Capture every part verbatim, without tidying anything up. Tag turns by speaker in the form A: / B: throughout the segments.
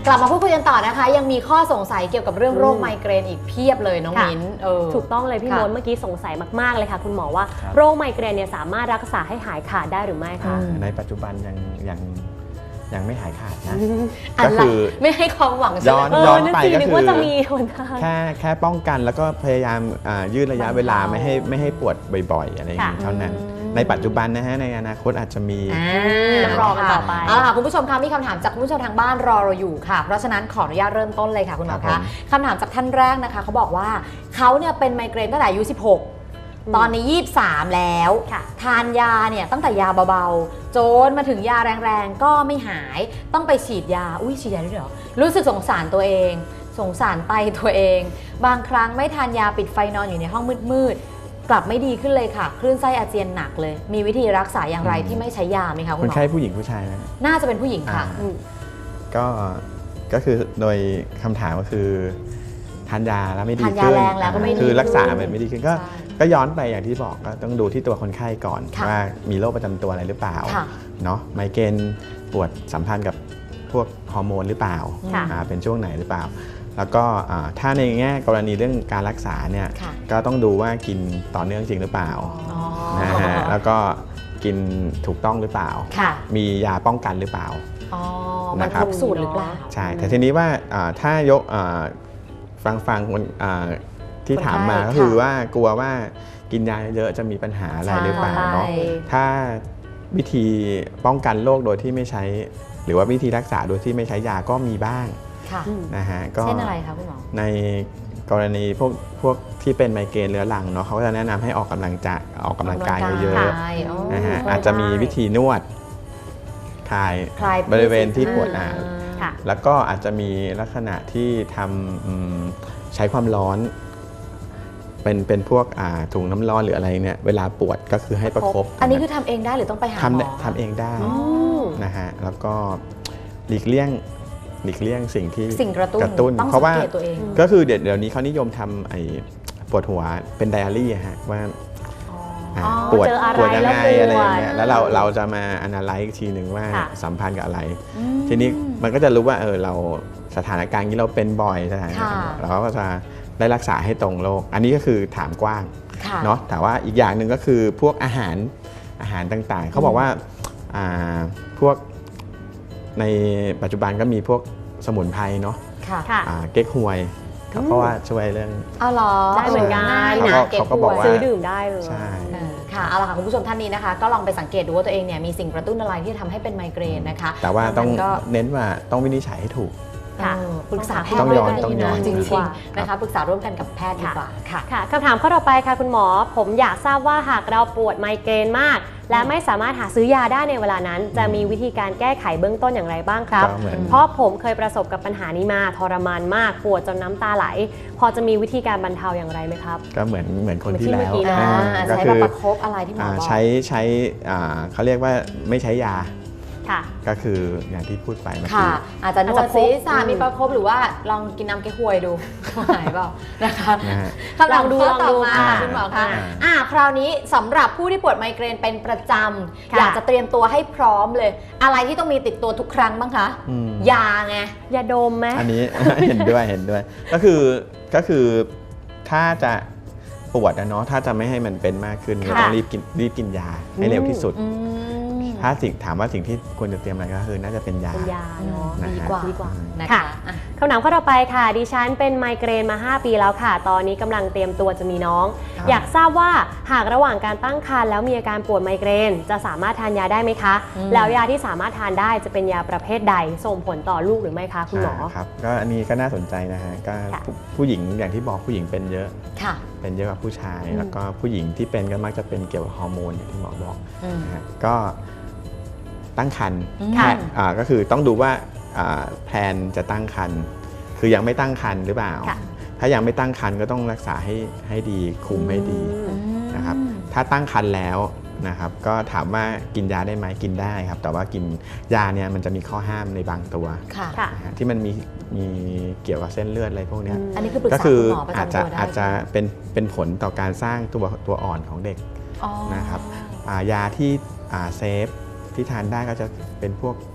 A: กลับมาพูดคุยกันต่อนะคะยังมีข้อสงสัยเกี่ยวกับเรื่องโรคไมเกรนอีกเพียบเลยน้องมิ้นเออ
B: ถูกต้องเลยพี่มดเมื่อกี้สงสัยมากๆเลยค่ะคุณหมอว่าโรคไมเกรนเนี่ยสามารถรักษาให้หายขาดได้หรือไม่คะ
C: ในปัจจุบันยังยังยังไม่หายขาดนะ
A: ก็คือไม่ให้ความหวัง
C: ย้อนย้อนไปก็คือ
B: จะมีคน
C: แค่แค่ป้องกันแล้วก็พยายามยืดระยะเวลาไม่ให้ไม่ให้ปวดบ่อยๆอะไรอย่างนี้เท่านั้นในปัจจุบันนะฮะในอนาคตอาจจะมี
A: รอกันต่อไปเอาล่ะคุณผู้ชมคะมีคำถามจากคุณผู้ชมทางบ้านรอเราอยู่ค่ะเพราะฉะนั้นขออนุญาตเริ่มต้นเลยค่ะคุณหมอคะคำถามจากท่านแรกนะคะเขาบอกว่าเขาเนี่ยเป็นไมเกรนตั้งแต่อายุสิบหกตอนนี้ยี่สิบสามแล้วทานยาเนี่ยตั้งแต่ยาเบาๆโจนมาถึงยาแรงๆก็ไม่หายต้องไปฉีดยาอุ้ยฉีดยาด้วยเหรอรู้สึกสงสารตัวเองสงสารไตตัวเองบางครั้งไม่ทานยาปิดไฟนอนอยู่ในห้องมืดๆกลับไม่ดีขึ้นเลยค่ะคลื่นไส้อาเจียนหนักเลยมีวิธีรักษาอย่างไรที่ไม่ใช้ยาไหมคะคุณหมอ
C: คนไข้ผู้หญิงผู้ชายนะ
A: น่าจะเป็นผู้หญิงค่ะ
C: ก็ก็คือโดยคำถามก็คือทานยาแล้วไม่ดี
A: ขึ้น
C: คือรักษาแบบไม่ดีขึ้นก็ก็ย้อนไปอย่างที่บอกก็ต้องดูที่ตัวคนไข้ก่อนว่ามีโรคประจำตัวอะไรหรือเปล่าเนาะไมเกรนปวดสัมพันธ์กับพวกฮอร์โมนหรือเปล่าเป็นช่วงไหนหรือเปล่าแล้วก็ถ้าในแง่กรณีเรื่องการรักษาเนี่ยก็ต้องดูว่ากินต่อเนื่องจริงหรือเปล่านะฮะแล้วก็กินถูกต้องหรือเปล่ามียาป้องกันหรือเปล่า
A: มันครบสูตรหรือเปล่า
C: ใช่แต่ทีนี้ว่าถ้ายกฟังฟังคนที่ถามมาก็คือว่ากลัวว่ากินยาเยอะจะมีปัญหาอะไรหรือเปล่าเนาะถ้าวิธีป้องกันโรคโดยที่ไม่ใช้หรือว่าวิธีรักษาโดยที่ไม่ใช้ยาก็มีบ้างนะฮะ
A: ก็เช่นอะไรคะคุณหมอ
C: ในกรณีพวกพวกที่เป็นไมเกรนเรื้อรังเนาะเขาจะแนะนำให้ออกกำลังจะออกกำลังกายเยอะๆนะฮะอาจจะมีวิธีนวดคลายบริเวณที่ปวดอ่าแล้วก็อาจจะมีลักษณะที่ทำใช้ความร้อนเป็นเป็นพวกถุงน้ำร้อนหรืออะไรเนี่ยเวลาปวดก็คือให้ประคบ
A: อันนี้คือทำเองได้หรือต้องไปหาหมอ
C: ทำเองได้นะฮะแล้วก็หลีกเลี่ยงหลีกเลี่ยงสิ่งที่
A: สิ่งกระตุ้น
C: กระตุ้นเพราะว่าก็คือเดี๋ยวนี้เขานิยมทำไอ้ปวดหัวเป็นไดอารี่ฮะว่าปวดปวดยังไงอะไรอย่างเงี้ยแล้วเราเราจะมาอนาลัยอีกทีหนึ่งว่าสัมพันธ์กับอะไรทีนี้มันก็จะรู้ว่าเออเราสถานการณ์นี้เราเป็นบ่อยสถานการณ์เราก็จะได้รักษาให้ตรงโรคอันนี้ก็คือถามกว้างเนาะแต่ว่าอีกอย่างหนึ่งก็คือพวกอาหารอาหารต่างๆเขาบอกว่าพวกในปัจจุบันก็มีพวกสมุนไพรเนาะเก๊กฮวยเขาก็ว่าช่วยเรื่อง
A: อ๋อเหรอ
B: ได้เหมือนกัน
C: นะเขาก็บอกว่า
B: ซื้อดื่มได้เลย
C: ใช่
A: ค่ะเอาล่ะค่ะคุณผู้ชมท่านนี้นะคะก็ลองไปสังเกตดูว่าตัวเองเนี่ยมีสิ่งกระตุ้นอะไรที่ทำให้เป็นไมเกรนนะคะ
C: แต่ว่าต้องเน้นว่าต้องวินิจฉัยให้ถูก
A: ปรึกษาแพทย์
C: ด้วยกันดี
A: จริงๆนะคะปรึกษาร่วมกันกับแพทย์ดีกว่าค่ะ
B: ค่ะคำถามข้อต่อไปค่ะคุณหมอผมอยากทราบว่าหากเราปวดไมเกรนมากและไม่สามารถหาซื้อยาได้ในเวลานั้นจะมีวิธีการแก้ไขเบื้องต้นอย่างไรบ้างครับเพราะผมเคยประสบกับปัญหานี้มาทรมานมากปวดจนน้ำตาไหลพอจะมีวิธีการบรรเทาอย่างไรไหมครับ
C: ก็เหมือนเหมือนคนที่แล้ว
A: ก็คือประคบอะไรที่หมอบอก
C: ใช้ใช้เขาเรียกว่าไม่ใช้ยาก็คืออย่างที่พูดไปเมื่อกี้
A: อาจจะนวดศีรษะมีประคบหรือว่าลองกินน้ำเก๊กฮวยดูหายเปล่านะคะคำถามข้อต่อมาคุณหมอคะอ่าคราวนี้สำหรับผู้ที่ปวดไมเกรนเป็นประจำอยากจะเตรียมตัวให้พร้อมเลยอะไรที่ต้องมีติดตัวทุกครั้งบ้างคะยาไง
B: ยาดมไหม
C: อันนี้เห็นด้วยเห็นด้วยก็คือก็คือถ้าจะปวดนะเนาะถ้าจะไม่ให้มันเป็นมากขึ้นก็ต้องรีบกินรีบกินยาให้เร็วที่สุดถ้าสิ่งถามว่าสิ่งที่ควรจะเตรียมอะไรก็คือน่าจะเป็นยา
B: เป็นยาเนาะ
A: ดีกว่าดีกว่า
B: นะคะคำถามข้อต่อไปค่ะดิฉันเป็นไมเกรนมาห้าปีแล้วค่ะตอนนี้กำลังเตรียมตัวจะมีน้องอยากทราบว่าหากระหว่างการตั้งครรภ์แล้วมีอาการปวดไมเกรนจะสามารถทานยาได้ไหมคะแล้วยาที่สามารถทานได้จะเป็นยาประเภทใดส่งผลต่อลูกหรือไม่คะคุณหมอ
C: ครับก็อันนี้ก็น่าสนใจนะฮะก็ผู้หญิงอย่างที่บอกผู้หญิงเป็นเยอะเป็นเยอะกว่าผู้ชายแล้วก็ผู้หญิงที่เป็นก็มักจะเป็นเกี่ยวกับฮอร์โมนอย่างที่หมอบอกก็ตั้งครรภ์ก็คือต้องดูว่าแพลนจะตั้งครรภ์คือยังไม่ตั้งครรภ์หรือเปล่าถ้ายังไม่ตั้งครรภ์ก็ต้องรักษาให้ให้ดีคุมให้ดีนะครับถ้าตั้งครรภ์แล้วนะครับก็ถามว่ากินยาได้ไหมกินได้ครับแต่ว่ากินยาเนี่ยมันจะมีข้อห้ามในบางตัวที่มันมีมีเกี่ยวกับเส้นเลือดอะไรพวกนี้ก็คืออาจจะอาจจะเป็นเป็นผลต่อการสร้างตัวตัวอ่อนของเด็กนะครับยาที่เซฟที่ทานได้ก็จะเป็นพวก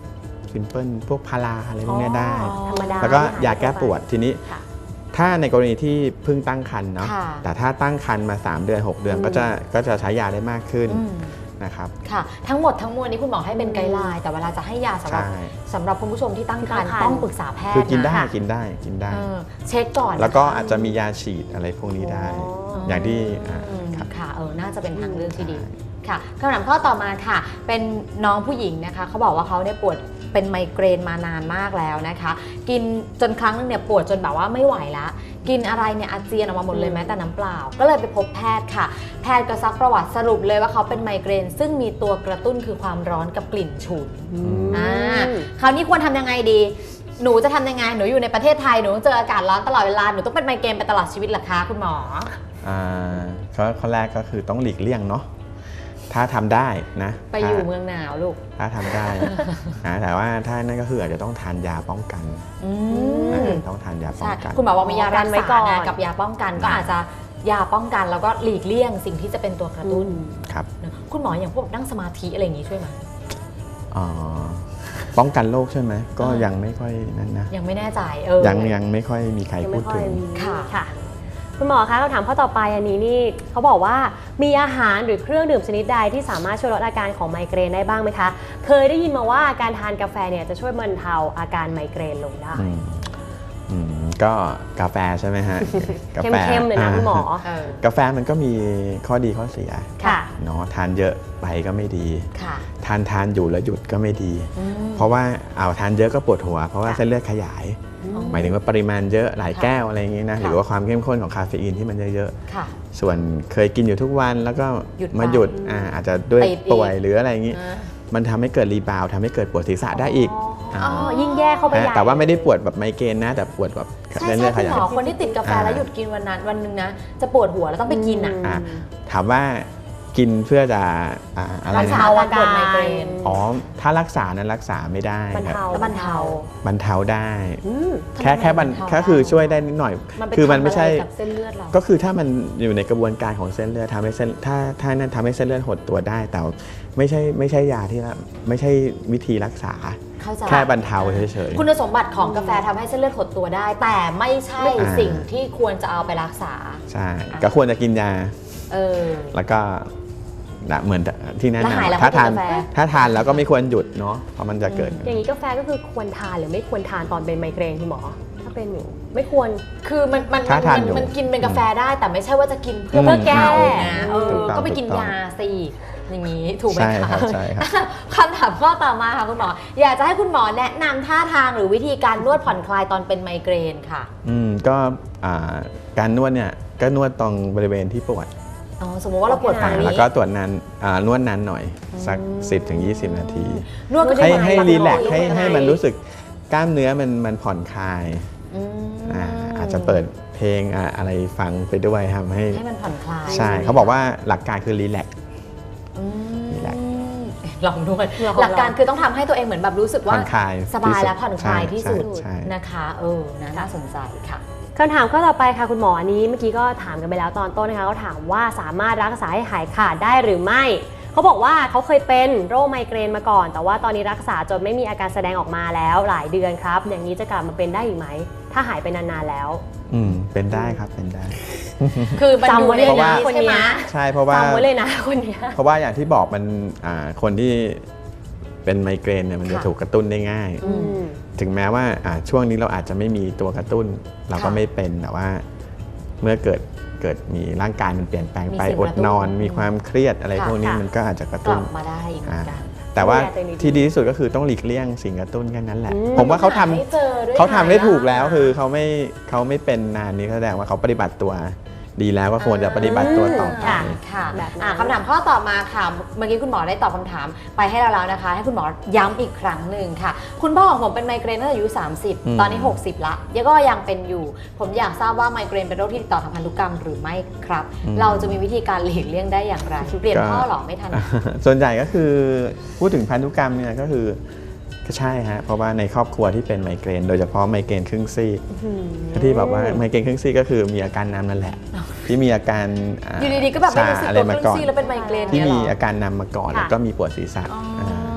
C: ซิมเพิลพวกพาราอะไรพวกเนี้ยได้
B: ธรรมดา
C: แล้วก็ยาแก้ปวดทีนี้
B: ค่ะ
C: ถ้าในกรณีที่เพิ่งตั้งครรภ์เนาะ
A: ค่ะ
C: แต่ถ้าตั้งครรภ์มาสามเดือนหกเดือน
B: อืม
C: ก็จะก็จะใช้ยาได้มากขึ้น
A: อืม
C: นะครับ
A: ค่ะทั้งหมดทั้งมวลนี้คุณหมอให้เป็นไกด์ไลน์แต่เวลาจะให้ยาสำหรับ
C: ใช่
A: สำหรับคุณผู้ชมที่ตั้งครรภ์
B: ที่ตั้งครรภ์
A: ต้องปรึกษาแพทย์
C: คือกินได้
A: ะ
C: กินได้กินได้
A: เออเช็คก่อน
C: แล้วก็
A: นะคะ
C: อาจจะมียาฉีดอะไรพวกนี้ได้
B: อ๋อ
C: อ
A: อย่าง
C: ที่อ่า
A: อืม
C: ครับ
A: ค่ะเออน่าจะเป็นทางเลือกที่ดี
C: ใช่
A: ค่ะคำถามข้อต่อมาค่ะ เป็นน้องผู้หญิงนะคะเขาบอกว่าเขาเนี่ยปวดเป็นไมเกรนมานานมากแล้วนะคะ กินจนครั้งนึงเนี่ยปวดจนแบบว่าไม่ไหวละกินอะไรเนี่ยอาเจียนออกมาหมดเลยแม้แต่น้ำเปล่า ก็เลยไปพบแพทย์ค่ะ แพทย์ก็ซักประวัติสรุปเลยว่าเขาเป็นไมเกรน ซึ่งมีตัวกระตุ้นคือความร้อนกับกลิ่นฉุน
C: ม
A: อ่าคราวนี้ควรทำยังไงดี หนูจะทำยังไงหนูอยู่ในประเทศไทยหนูต้องเจออากาศร้อนตลอดเวลาหนูต้องเป็นไมเกรนไปตลอดชีวิตเหรอคะคุณหมอ
C: อ่าข้อข้อแรกก็คือต้องหลีกเลี่ยงเนาะถ้าทำได้นะ
A: ไปอยู่
C: ถ้า
A: เมืองหนาวลูก
C: ถ้าทำได้ นะแต่ว่าถ้านั่นก็คืออาจจะต้องทานยาป้องกัน
A: อื
C: นะ
A: ม
C: ต้องทานยาป้อ
A: ใช่
C: งกัน
A: คุณหมอบอกมียารัก
B: ไว้
A: ษา
B: ก่อน
A: ไงกับยาป้องกันก็อาจจะยาป้องกันแล้วก็หลีกเลี่ยงสิ่งที่จะเป็นตัวกระตุ้น
C: ครับ
A: นะคุณหมออย่างพวกนั่งสมาธิอะไรอย่างนี้ช่วยไหม
C: อ๋อป้องกันโรคใช่ไหมก็
A: อ่ายั
C: ยังไม่ค่อยนั่นนะ
A: ยังไม่แน่ใจเออ
C: ยังยังไม่ค่อยมีใคร
B: ยัง
C: พู
B: ไม่
C: ด
B: ค่อ
C: ถึ
B: ย
C: ง
B: มี
A: ค่ะ
B: ค่ะ คุณหมอคะคำถามข้อต่อไปอันนี้นี่เขาบอกว่ามีอาหารหรือเครื่องดื่มชนิดใดที่สามารถช่วยลดอาการของไมเกรนได้บ้างไหมคะ เคยได้ยินมาว่าการทานกาแฟเนี่ยจะช่วยบรรเทาอาการไมเกรนลงได้
C: อืมอืมก็กาแฟใช่ไหมฮะ กาแฟ
B: เข้มๆเลยนะคุณหมอ
A: เออก
C: าแฟมันก็มีข้อดีข้อเสีย
B: ค่ะ
C: เนาะทานเยอะไปก็ไม่ดี
A: ค่ะ
C: ทานทานอยู่แล้วหยุดก็ไม่ดี
A: อืม
C: เพราะว่าเอาทานเยอะก็ปวดหัว เพราะว่า
A: ค่ะ
C: เส้นเลือดขยาย
A: อ๋อ
C: หมายถึงว่าปริมาณเยอะหลาย
A: ค่ะ
C: แก้วอะไรอย่างงี้นะ
A: ค่ะ
C: หรือว่าความเข้มข้นของคาเฟอีนที่มันเยอะ
A: ค่ะ
C: ๆส่วนเคยกินอยู่ทุกวันแล้วก็
A: หยุด
C: มา
A: ไป
C: หยุดอ่าอาจจะด้วย
A: ติดอีก
C: ป่วยหรืออะไรอย่างงี้
A: อ่า
C: มันทำให้เกิดรีบาวด์ทำให้เกิดปวดศีรษะได้อีก
B: อ๋อยิ่งแย่เข้าไปใหญ่
C: แต่ว่าไม่ได้ปวดแบบไมเกรนนะ แต่ปวดแบบ
A: ใช่
C: เส้น
A: ใช่
C: เลือดข
A: คุณ
C: ยา
A: ห
C: ย
A: มอคนที่ติดกาแฟ
C: อ่า
A: แล้วหยุดกินวันนั้นวันหนึงนะจะปวดหัวแล้วต้องไปกินอ่ะ
C: อ่ะถามว่ากินเพื่อจะอ่าอะไร
A: รัก
C: นะ
A: ษาอาการปวดไมเกรน
C: อ๋อถ้ารักษานั้นรักษาไม่ได้
B: บรร
C: ครับ
B: เทา
A: แล้วบรรเทา
C: บรรเทาได้
B: อืม
C: แค่แค่บรร
A: ทำไมบรรเทา
C: แค่คือช่วยได้นิดหน่อย
A: มันไป
C: คือมัน
A: ทำ
C: ไม่ใช่
A: อะไรกับเส้นเลือดเรา
C: ก็คือถ้ามันอยู่ในกระบวนการของเส้นเลือดทำให้เส้นถ้าถ้านั่นทำให้เส้นเลือดหดตัวได้ แต่ไม่ใช่ไม่ใช่ยาที่ละไม่ใช่วิธีรักษา
A: เข้าใจ
C: แค่บรรเทาเฉย
A: คุณสมบัติของกาแฟทำให้เส้นเลือดหดตัวได้ แต่ไม่ใช่
C: อ่า
A: สิ่งที่ควรจะเอาไปรักษา
C: ๆใช่ก็ควรจะกินยา
A: เออ
C: แล้วก็นะเหมือนที่แนะ
A: แล้วหายแล้ว
C: นำถ้าทาน
A: ไม่กินกาแฟ
C: ถ้าทานแล้วก็ไม่ควรหยุดเนาะเพราะมันจะเกิด
B: อย่างนี้กาแฟก็คือควรทานหรือไม่ควรทานตอนเป็นไมเกรนคุณหมอ ถ้าเป็นอยู่ไม่ควร
A: คือมันมัน
C: ถ้าทาน
A: มัน
C: อยู่
A: มันกินเป็นกาแฟได้ แต่ไม่ใช่ว่าจะกินเพื่อ
C: อืม
A: เพื่อแก้นะเออ
C: ถูกต้อง
A: ก็ไปกิน
C: ถูกต้อง
A: ยาสิอย่างนี้ถูกไหม
C: ใช่
A: คะ
C: ครับใช่ครับ
A: คำถามข้อต่อมาค่ะคุณหมอ อยากจะให้คุณหมอแนะนำท่าทางหรือวิธีการนวดผ่อนคลายตอนเป็นไมเกรนค่ะ
C: อืมก็อ่าการนวดเนี่ยก็นวดตรงบริเวณที่ปวด
A: อ๋อสมมติว่าเราปวดฝั่ง
C: อ่า
A: นี้
C: แล้วก็ตรวจนานอ่านวดนานหน่อยสัก สิบถึงยี่สิบ นาที
A: นวดก็ได้
C: ให้
A: ไหม
C: ให้
A: คะ
C: รีแลกซ์
A: คุณหมอ
C: ให้
A: ยกยังไง
C: ให้มันรู้สึกกล้ามเนื้อมันมันผ่อนคลาย
A: อืม
C: อ่าอาจจะเปิดเพลงอ่ะอะไรฟังไปด้วยทำให้
A: ให้มันผ่อนคลาย
C: ใช่เขาบอกว่าหลักการคือรีแลกซ์
A: อืม
C: รีแลกซ์
A: ลองนวด
B: ลอง
A: หลักการคือต้องทำให้ตัวเองเหมือนแบบรู้สึก
C: ผ่
A: ว่า
C: อนคลาย
A: สบายและผ่อนคลาย
C: ใช่
A: ที่สุด
C: ใช่
A: นะคะเออนะน่าสนใจค่ะ
B: คำถามข้อต่อไปค่ะคุณหมออันนี้เมื่อกี้ก็ถามกันไปแล้วตอนต้นนะคะเขาถามว่าสามารถรักษาให้หายขาดได้หรือไม่ เขาบอกว่าเขาเคยเป็นโรคไมเกรนมาก่อน แต่ว่าตอนนี้รักษาจนไม่มีอาการแสดงออกมาแล้วหลายเดือนครับ อย่างนี้จะกลับมาเป็นได้อีกไหม ถ้าหายไปนานๆแล้ว
C: อืมเป็นได้ครับเป็นได้
A: คือมันอยู่
B: จำไว้
A: ใน
B: เลยนะ
A: นี้
B: คน
A: ใช่ไหม
B: เนี้ย
C: ใช่เพราะว่า
B: จำไว้เลยนะคนเนี้ย
C: เพราะว่าอย่างที่บอกมันอ่าคนที่เป็นไมเกรนเนี่ยมันจะ
A: ค่ะ
C: ถูกกระตุ้นได้ง่าย
A: อืม
C: ถึงแม้ว่าอ่าช่วงนี้เราอาจจะไม่มีตัวกระตุ้น เราก็
A: ค่ะ
C: ไม่เป็นแต่ว่าเมื่อเกิดเกิดมีร่างกายมันเปลี่ยนแปลงไป
A: มีสิ่ง
C: อก
A: ระ
C: ด
A: ตุ้น
C: นอนมีความเครียดอะไร
A: ค่ะ
C: พวกนี้
B: ค่ะ
C: มันก็อาจจะกระ
A: ก
C: ตุ้
A: ลั
C: น
A: บมาได้อีกเหมือนกัน
C: แต่ว่า
B: ดูแลตัวเองดีๆ
C: ที่ดีที่สุดก็คือต้องหลีกเลี่ยงสิ่งกระตุ้นแค่นั้นแหละ
B: อืม
C: ผมว่าเขาทำ
A: หให้เจอด้วย
C: เขาทำได้
A: นะ
C: ถูกแล้วคือเขาไม่เขาไม่เป็นนานนี้แสดงว่าเขาปฏิบัติตัวดีแล้วก็ควรจะปฏิบัติตัวต่อไป
A: ค่ะค่ะ
B: แบบนั้น
A: อ่ะคำถามข้อต่อมาค่ะ เมื่อกี้คุณหมอได้ตอบคำถามไปให้เราแล้วนะคะ ให้คุณหมอย้ำอีกครั้งหนึ่งค่ะ คุณพ่อของผมเป็นไมเกรนตั้งแต่อายุ สามสิบ
C: อืม
A: ตอนนี้ หกสิบละยังก็ยังเป็นอยู่ ผมอยากทราบว่าไมเกรนเป็นโรคที่ติดต่อทางพันธุกรรมหรือไม่ครับ เราจะมีวิธีการหลีกเลี่ยงได้อย่างไร เปลี่ยนพ่อหรอไม่ทัน
C: ส่วนใหญ่ก็คือพูดถึงพันธุกรรมเนี่ยก็คือก็ใช่ฮะเพราะว่าในครอบครัวที่เป็นไมเกรนโดยเฉพาะไมเกรนครึ่งซีกที่แบบว่าไมเกรนครึ่งซีกก็คือมีอาการนำนั่นแหละ ที่มีอาการา
A: อยู่ดีๆก็แบบไม่รู้สึก
C: ชาอะ
A: ตัว
C: ไร
A: ค
C: มา
A: รึ่ง
C: ก่อน
A: ซี่แล้วเป็นไมเกรน
C: ที่
A: เนี่ย
C: มี
A: เหรอ
C: อาการนำมาก่อน
B: ค่ะ
C: แล้วก็มีปวดศีรษะ
A: อ๋ออ่
C: า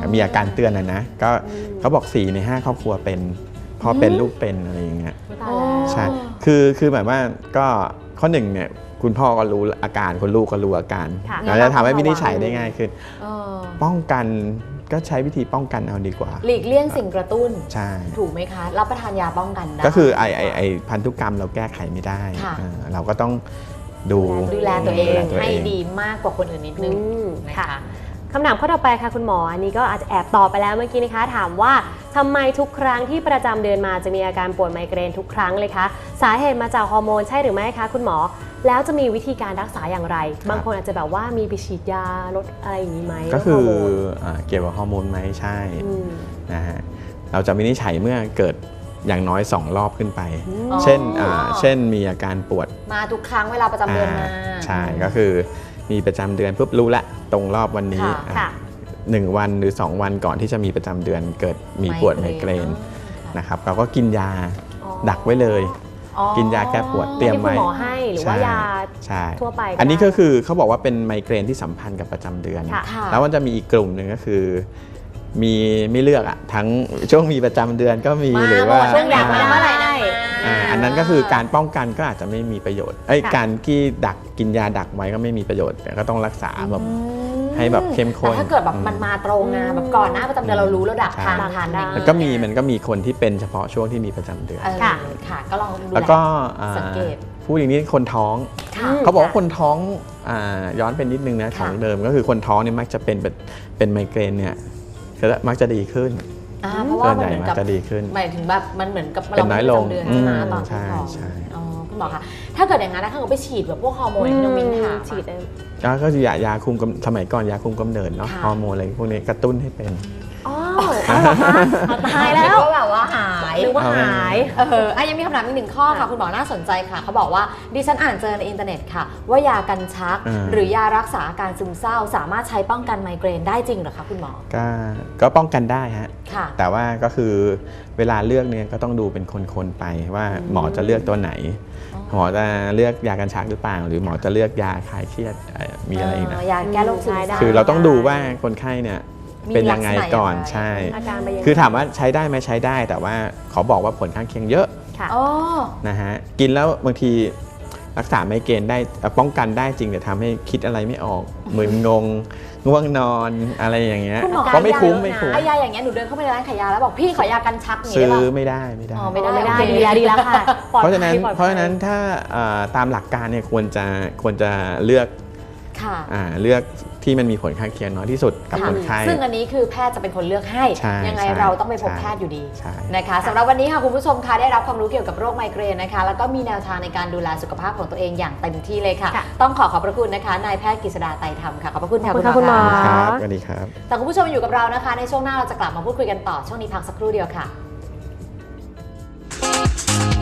C: มีอาการเตือนนะนะก็เขาบอกสี่ในห้าครอบครัวเป็นพอเป็นลูกเป็นอะไรอย่างเงี้ย
B: ตายแล้ว
C: ใช่คือคือหมายว่าก็ข้อหนึ่งเนี่ยคุณพ่อก็รู้อาการคุณลูกก็รู้อาการ
B: ค่ะ
C: เราจะทำให้วินิจฉัยได้ง่ายขึ้น
A: เออ
C: ป้องกันก็ใช้วิธีป้องกันเอาดีกว่า
A: หลีกเลี่ยงสิ่งกระตุ้น
C: ใช่
A: ถูกไหมคะ รับประทานยาป้องกันได้
C: ก็คือไอไอไอพันธุกรรมเราแก้ไขไม่ได้
A: ค่ะ
C: เออเราก็ต้องดู
A: ดูแลตัวเอง
C: ดูแลตัว
A: ให้
C: เอง
A: ดีมากกว่าคนอื่นนิดนึง
B: อืม
A: นะ
B: ค่ะ
A: คะ
B: คำถามข้อต่อไปค่ะคุณหมออันนี้ก็อาจจะแอบตอบไปแล้วเมื่อกี้นะคะ ถามว่าทำไมทุกครั้งที่ประจำเดือนมาจะมีอาการปวดไมเกรนทุกครั้งเลยคะสาเหตุมาจากฮอร์โมนใช่หรือไม่คะคุณหมอแล้วจะมีวิธีการรักษาอย่างไร บางคนอาจจะแบบว่ามีไปฉีดยาลดอะไรอย่างนี้ไหม
C: ก็คือ
B: ลดฮร์โมน
C: อ่าเกี่ยวกับฮอร์โมนไหมใช่
B: อืม
C: นะฮะเราจะวินิจฉัยเมื่อเกิดอย่างน้อยสองรอบขึ้นไป
A: อ๋อ
C: เช่นอ่าเช่นมีอาการปวด
A: มาทุกครั้งเวลาประจำเดือนมา
C: อ่าใช่ก็คือมีประจำเดือนปุ๊บรู้ละตรงรอบวันนี้
A: ค่ะ
C: อ่ะ
B: ค่ะ
C: หนึ่งวันหรือ สอง วันก่อนที่จะมีประจำเดือนเกิดมีปวดไมเกรนนะครับเราก็กินยา
B: อ๋อ
C: ดักไว้เลย
A: อ๋อ
C: กินยาแก้ปวดเตรียม
B: ที่คุ
C: ไว้
B: ณหมอให้หรือว่ายา
C: ใช่
B: ทั่วไปก็
C: อันนี้
B: ได้
C: ก็คือเขาบอกว่าเป็นไมเกรนที่สัมพันธ์กับประจำเดือน
B: ค่ะ
A: ค่ะ
C: แล้วมันจะมีอีกกลุ่มหนึ่งก็คือ มีไม่เลือกอะทั้งช่วงมีประจำเดือนก็มี
A: มา
C: หรือ
A: หม
C: ว่า
A: ดช่วงอยากมาเมื่อไหร่นะ
C: อ่าอันนั้นก็คือการป้องกันก็อาจจะไม่มีประโยชน์ไอ้ย
B: ค่ะ
C: การที่ดักกินยาดักไว้ก็ไม่มีประโยชน์แต่ก็ต้องรักษาแบบ
A: อืม
C: ให้แบบเข้มข้น
A: แต่ถ้าเกิดแบบ
C: อืม
A: มันมาตรงนะแบบก่อนหน้าประจำเดือนเรารู้แล้วดัก
C: ใช่
A: ทานทานได้
C: มันก็มีมันก็มีคนที่เป็นเฉพาะช่วงที่มีประจำเดือน
A: เออ
B: ค่ะ
A: ค่ะ ก็ลองดู
C: แล้วก็อ่า
A: สังเกต
C: ผู้อย่างนี้คนท้อง
A: ค่ะ
C: เขาบอกว่าคนท้องอ่าย้อนเป็นนิดนึงนะของเดิมก็คือคนท้องเนี่ยมักจะเป็นเป็นเป็นไมเกรนเนี่ยก็มักจะดีขึ้น
A: อ่าเพราะว่า
C: ส่วน
A: มัน
C: ใหญ่
A: เหมือน
C: มัก
A: กับ
C: จะดีขึ้น
A: หมายถึงแบบมันเหมือนกับ
C: เป็นน้อยลง
A: เราไม่มีประจำเดือนใช่ไหม
C: อืม
A: ตอน
C: ใช่
A: ท้อง
C: ใช่
A: อ๋อคุณหมอคะถ้าเกิดอย่างนั้นนะถ้าเกิดไปฉีดแบบพวกฮอร์โมนที่น้องมิ้นถาม
B: ฉีด
A: อะ
B: ได้
C: ก็คือยายาคุมกำสมัยก่อนยาคุมกำเนิดเนาะ
A: ค่ะ
C: ฮอร์โมนอะไรพวกนี้กระตุ้นให้เป็น
B: อ๋อเอาเหรอคะเอาตายแล้ว
A: ก็แบบว่าหาย
B: หรือว่า
C: เอาไว้
B: หาย
A: เอออ่ะยังมีคำถามอีกหนึ่งข้อค่ะ คุณหมอน่าสนใจค่ะ เขาบอกว่าดิฉันอ่านเจอในอินเทอร์เน็ตค่ะ ว่ายากันชัก
C: อ่า
A: หรือยารักษาอาการซึมเศร้า สามารถใช้ป้องกันไมเกรนได้จริงเหรอคะคุณหมอ
C: ก็ก็ป้องกันได้ฮะ
A: ค่ะ
C: แต่ว่าก็คือเวลาเลือกเนี่ยก็ต้องดูเป็นคนๆไปว่าหมอจะเลือกตัวไหน หมอจะเลือกยากันชักหรือเปล่า หรือหมอจะเลือกยาคลายเครียดเอ่อมีอะไรอีกนะ
A: ยาแก้โรคซึมเศร้า
C: คือเราต้องดูว่าคนไข้เนี่ย
A: มี
C: เป็นยังไงก่อน
A: ลักษณะยังไง
C: ใช่
B: อาการไปยังไง
C: คือถามว่าใช้ได้ไหมใช้ได้ แต่ว่าขอบอกว่าผลข้างเคียงเยอะ
B: ค่ะ
A: อ๋อ
C: นะฮะกินแล้วบางทีรักษาไมเกรนได้เอ่อป้องกันได้จริงแต่ทำให้คิดอะไรไม่ออกมึนงงง่วงนอนอะไรอย่างเงี้ย
A: คุณหมอ
C: ก็ไม่คุ้ม
B: ยาเยอะนะ
C: ไม่คุ้ม
A: ไอ้ยาอย่างเงี้ยหนูเดินเข้าไปในร้านขายยาแล้วบอกพี่ขอยากันชักอย่าง
C: ซื้
A: เงี้
C: อย
A: ได้ปะ
C: ไม่ได้ไม่ได้
A: อ๋อไม่ได้
B: ไม่ได้
A: โอเค
B: ดีแล้วดีแล้วค่ะปลอด
C: เพราะฉะนั้น
B: ภัยปลอดภัย
C: เพราะฉะนั้นถ้าเอ่อตามหลักการเนี่ยควรจะควรจะเลือก
A: ค่ะ
C: อ่าเลือกที่มันมีผลข้างเคียงน้อยที่สุดกับ
A: ค่ะ
C: คนไข้
A: ซึ่งอันนี้คือแพทย์จะเป็นคนเลือกให้
C: ใช่
A: ยังไง
C: ใช่
A: เราต้องไปพบ
C: ใช่
A: แพทย์อยู่ดี
C: ใช่
A: นะคะสำหรับวันนี้ค่ะคุณผู้ชมคะได้รับความรู้เกี่ยวกับโรคไมเกรนนะคะแล้วก็มีแนวทางในการดูแลสุขภาพของตัวเองอย่างเต็มที่เลยค่ะ
B: ค่ะ
A: ต้องขอขอบพระคุณนะคะนายแพทย์กฤษดาไตรธรรมค่ะขอบพระคุณค่ะ
B: ขอบคุณค่ะคุณหมอ
C: ครับสวัสดีครับ
A: แต่คุณผู้ชมอยู่กับเรานะคะ ในช่วงหน้าเราจะกลับมาพูดคุยกันต่อช่วงนี้พักสักครู่เดียวค่ะ